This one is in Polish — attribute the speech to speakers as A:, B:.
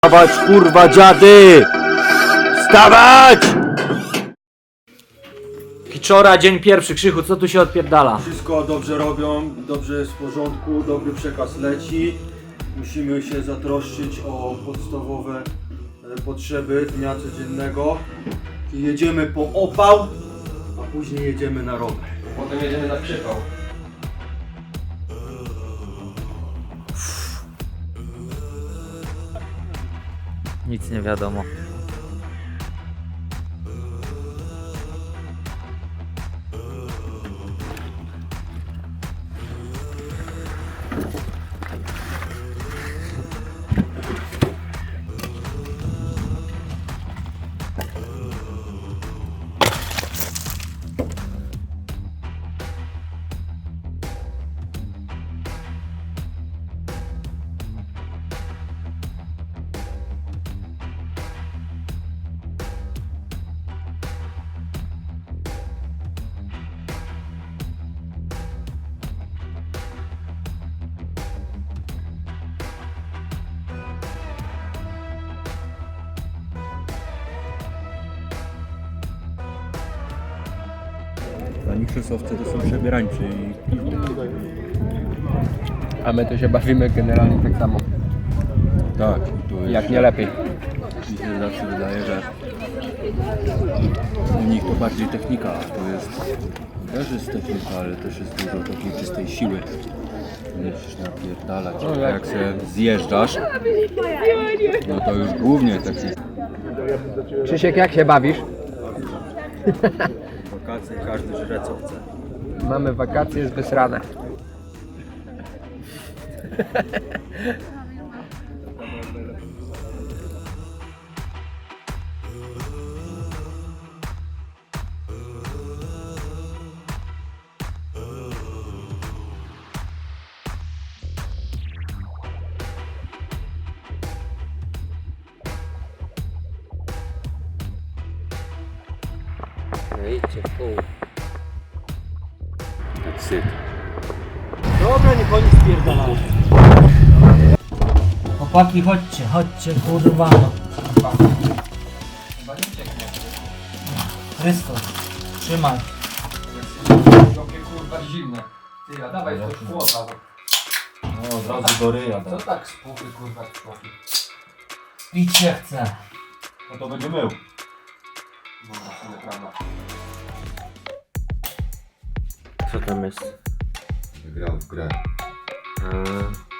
A: Wstawać, kurwa, dziady! Wstawać!
B: Kiczora, dzień pierwszy. Krzychu, co tu się odpierdala?
C: Wszystko dobrze robią, dobrze jest w porządku, dobry przekaz leci. Musimy się zatroszczyć o podstawowe potrzeby dnia codziennego. I jedziemy po opał, a później jedziemy na rower.
D: Potem jedziemy na przypał.
B: Nic nie wiadomo.
E: Pani krzesowcy to są przebierańcy i
D: A my tu się bawimy generalnie tak samo.
E: tak, to jest,
D: Jak nie lepiej.
E: mi się zawsze wydaje, że u nich to bardziej technika, a to jest też jest technika, ale też jest dużo takiej czystej siły. Musisz napierdalać, a jak się zjeżdżasz, no to już głównie taki
D: Krzysiek, jak się bawisz?
C: Wakacje, każdy żre co chce.
D: Mamy wakacje z wysrane. No idźcie w pół.
E: tak syt.
B: Dobra, niech oni spierdalają. Chłopaki, chodźcie, kurwa. Chrystus, trzymaj.
D: Jakie kurwa zimne. Ty, a dawaj coś chłopa.
C: No od razu do ryja.
D: Co tak spuchy kurwa spuchy?
B: Pić się chce.
C: No to będzie mył.
D: No właśnie, prawda.
A: Co tam jest?
E: Grał w grę.
A: A,